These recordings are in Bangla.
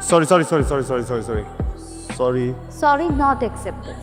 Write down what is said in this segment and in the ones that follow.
Sorry sorry sorry sorry sorry sorry sorry sorry sorry not accepted.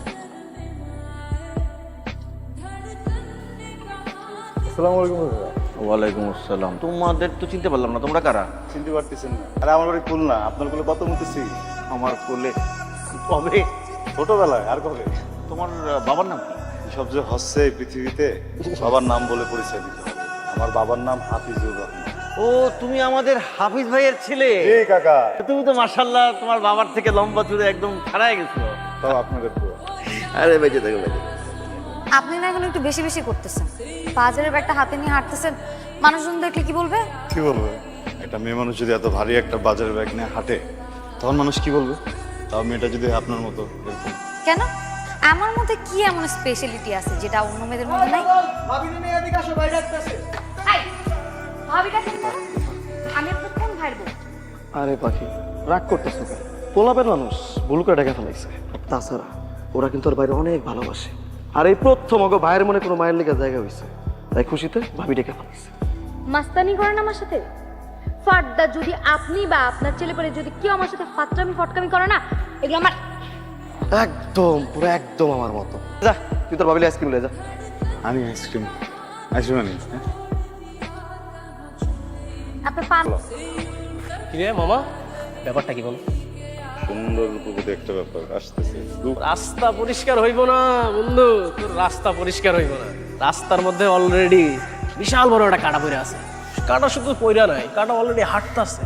আসসালামু আলাইকুম দাদা। ওয়ালাইকুম আসসালাম। তোমাদের তো চিনতে পারলাম না, তোমরা কারা? চিনতে পারতেছেন না? আরে আমার বাড়ি খুলনা, আপনার কোলে কত মুতেছি। আমার কোলে? কবে? ছোটবেলায়। আর কবে? তোমার বাবার নাম কি? সব যে হচ্ছে এই পৃথিবীতে বাবার নাম বলে পরিচয় দিতে হবে। আমার বাবার নাম হাফিজুর রহমান। ও, তুমি আমাদের হাফিজ ভাইয়ের ছেলে? এই কাকা, তুমি তো মাশাআল্লাহ তোমার বাবার থেকে লম্বা চুড়ে একদম ছাড়াই গেছো। তাও আপনাদের পুরো। আরে বেঁচে থাকো, বেঁচে থাকো। আপনি না এখন একটু বেশি বেশি করতেছেন। বাজারের ব্যাগটা হাতে নিয়ে হাঁটতেছেন, মানুষজন দেখলে কি বলবে? কি বলবে? একটা মেয়ে মানুষ যদি এত ভারী একটা বাজারের ব্যাগ নিয়ে হাঁটে, তখন মানুষ কি বলবে? তাও মেয়েটা যদি আপনার মতো এরকম। কেন? আমার মধ্যে কি এমন স্পেশালিটি আছে যেটা অন্য মেয়েদের মধ্যে নাই? এই, ভাবিটা কেন? আমি আপনার কোন ভাইয়ের বউ? আরে পাখি, রাগ করতেছো কেন? পোলাপের মানুষ ভুল করে ডেকে ফেলাইছে। তাছাড়া ওরা কিন্তু ওর বাইরে অনেক ভালোবাসে। আর এই প্রথম ওগো ভাইয়ের মনে কোনো মায়ের লেগে জায়গা হয়েছে, তাই খুশিতে ভাবি ডেকে ফেলাইছে। মাস্তানি করেন আমার সাথে? ফাড্ডা যদি আপনি বা আপনার ছেলে পরে যদি কেউ আমার সাথে ফাটরামি ফটকামি করে না, এগুলো আমার একদম পুরো একদম আমার মতো। যা, তুই তোর ভাবিলে আইসক্রিম লে যা। আমি আইসক্রিম আইসক্রিম আনি। আপনার পান কিরে মামা, ব্যাপারটা কি বল? সুন্দর রূপবতী একটা ব্যাপার আসতেছে। রাস্তা পরিষ্কার হইব না বন্ধু, তোর রাস্তা পরিষ্কার হইব না। রাস্তার মধ্যে অলরেডি বিশাল বড় একটা কাটা পড়ে আছে। কাটা শুধু পইরা নাই, কাটা অলরেডি হাঁটতাছে।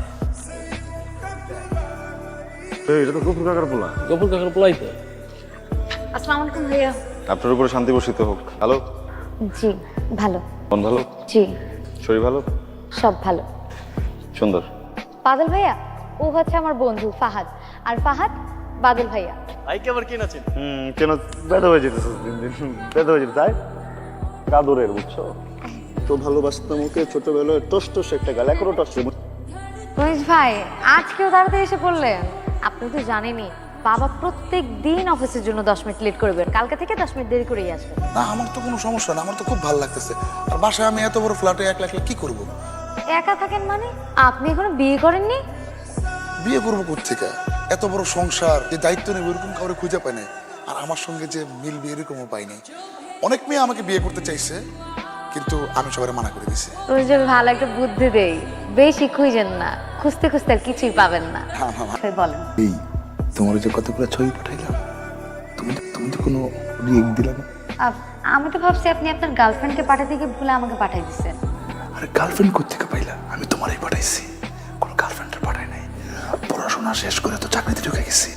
এটা তো গফুর কাকার পোলা। গফুর কাকার পোলাই তো। আসসালামু আলাইকুম ভাইয়া। আপনার উপরে শান্তি বর্ষিত হোক। হ্যালো, জি ভালো। মন ভালো? জি শরীর ভালো? সব ভালো। সুন্দর। বাদল ভাইয়া ও হচ্ছে আমার বন্ধু ফাহাদ, আর ফাহাদ বাদল ভাইয়া। ভাইকে আবার কেন আছেন? কেন বেদা হয়ে যেতেছে দিন দিন, বেদা হয়ে যেতে তাই কাদরের, বুঝছো তো? ভালোবাসতাম ওকে ছোটবেলায়, টস টস একটা গাল, এখনো টস। রমেশ ভাই আজকেও তাড়াতাড়ি এসে পড়লেন। আপনি তো জানেনই বাবা প্রত্যেক দিন অফিসের জন্য 10 মিনিট লেট করবেন, কালকে থেকে 10 মিনিট দেরি করেই আসবেন। না, আমার তো কোনো সমস্যা না, আমার তো খুব ভালো লাগতেছে। আর বাসায় আমি এত বড় ফ্ল্যাটে একলা একলা কি করব? একা থাকেন মানে? আপনি এখনো বিয়ে করেননি? বিয়ে করবো কোত্থেকে? এত বড় সংসার, যে দায়িত্ব নেবে এরকম কাউরে খুঁজে পাই নাই। আর আমার সঙ্গে যে মিলবে এরকমও পাই নাই। অনেক মেয়ে আমাকে বিয়ে করতে চাইছে, কিন্তু আমি সবাই মানা করে দিছি। রমেশ ভাই ভালো একটা বুদ্ধি দেই, বেশি খুঁজেন না, খুঁজতে খুঁজতে আর কিছুই পাবেন না। ভাই বলেন। এই তোমার যে কতগুলো ছবি পাঠাইলাম, তুমি তো কোনো রিয়েক্ট দিলা না? আমি তো ভাবছি আপনি আপনার গার্লফ্রেন্ডকে পাঠাতে গিয়ে ভুলে আমাকে পাঠিয়ে দিচ্ছেন। আরে গার্লফ্রেন্ড কোত্থেকে পাইলা? আমি তোমারই পাঠাইছি, কোনো গার্লফ্রেন্ডের পাঠাই নাই। পড়াশোনা শেষ করে তো চাকরিতে ঢুকে গেছি।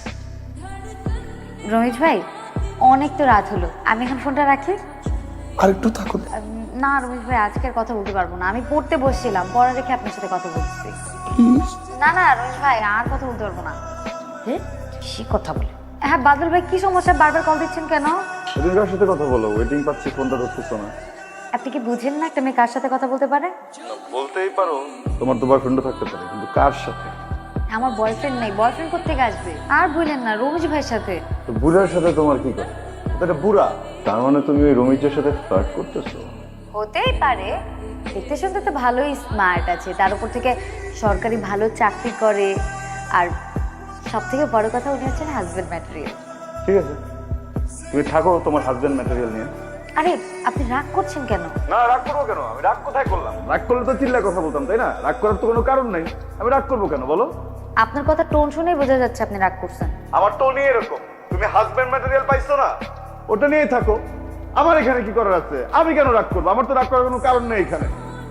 রমেশ ভাই অনেক তো রাত হলো, আমি এখন ফোনটা রাখি। আর একটু থাকুন। না রমেশ ভাই আজকে আর কথা বলতে পারবো না, আমি পড়তে বসছিলাম, পড়া রেখে আপনার সাথে কথা বলছি। না না রমেশ ভাই আর কথা বলতে পারবো না। হ্যাঁ সে কথা বলে। হ্যাঁ বাদল ভাই কি সমস্যা, বারবার কল দিচ্ছেন কেন? সেদিন কার সাথে কথা বলো, ওয়েটিং পাচ্ছি, ফোনটা ধরতেছো না। আপনি কি বুঝেন না একটা মেয়ে কার সাথে কথা বলতে পারে? বলতেই পারো তোমার তো বয়ফ্রেন্ডও থাকতে পারে, কিন্তু কার সাথে? আমার বয়ফ্রেন্ড নেই, বয়ফ্রেন্ড কোত্থেকে আসবে? আর বললেন না রমেশ ভাইয়ের সাথে। তো বুড়ার সাথে তোমার কি করে? এটা বুড়া, তার মানে তুমি ওই রমিজের সাথে ফ্লার্ট করতেছো? হতেই পারে, দেখতে শুনতে তো ভালোই স্মার্ট আছে, তার উপর থেকে সরকারি ভালো চাকরি করে, আর সব থেকে বড় কথা উনি হচ্ছেন হাজবেন্ড ম্যাটেরিয়াল। ঠিক আছে, তুমি থাকো তোমার হাজবেন্ড ম্যাটেরিয়াল নিয়ে। আরে আপনি রাগ করছেন কেন? না রাগ করবো কেন? আমি রাগ কোথায় করলাম? রাগ করলে তো চিল্লা কথা বলতাম, তাই না? রাগ করার তো কোনো কারণ নাই, আমি রাগ করবো কেন বলো? আপনার কথা টোন শুনেই বোঝা যাচ্ছে আপনি রাগ করছেন। আমার টোনই এরকম। তুমি হাজবেন্ড ম্যাটেরিয়াল পাইছো না, ওটা নিয়েই থাকো। আমার এখানে কি করার আছে? আমি কেন রাগ করবো? আমার তো রাগ করার কোনো কারণ নেই এখানে।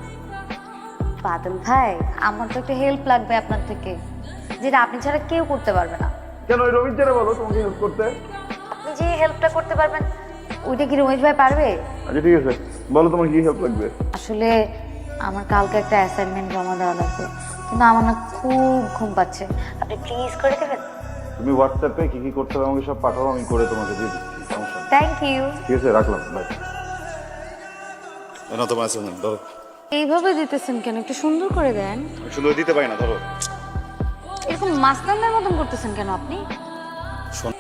বাদল ভাই আমার তো একটা হেল্প লাগবে আপনার থেকে, যেটা আপনি ছাড়া কেউ করতে পারবে না। কেন? ওই রবীন্দ্রে বলো তোমাকে হেল্প করতে। আপনি যে হেল্পটা করতে পারবেন ওইটা কি রমেশ ভাই পারবে? আচ্ছা ঠিক আছে, বলো তোমার কি হেল্প লাগবে। আসলে আমার কালকে একটা অ্যাসাইনমেন্ট জমা দেওয়া লাগবে, কিন্তু আমার না খুব ঘুম পাচ্ছে, আপনি প্লিজ করে দেবেন? তুমি হোয়াটসঅ্যাপে কি কি করতে হবে আমাকে সব পাঠাও, আমি করে তোমাকে দিয়ে দিচ্ছি, সমস্যা নেই। Thank you. ঠিক আছে, রাখলাম, বাই। না তোমার অ্যাসাইনমেন্ট ধরো। এইভাবে দিতেছেন কেন, একটু সুন্দর করে দেন। আমি সুন্দর দিতে পারি না, ধরো। এরকম মাস্তানদের মতন করতেছেন কেন আপনি? শোন,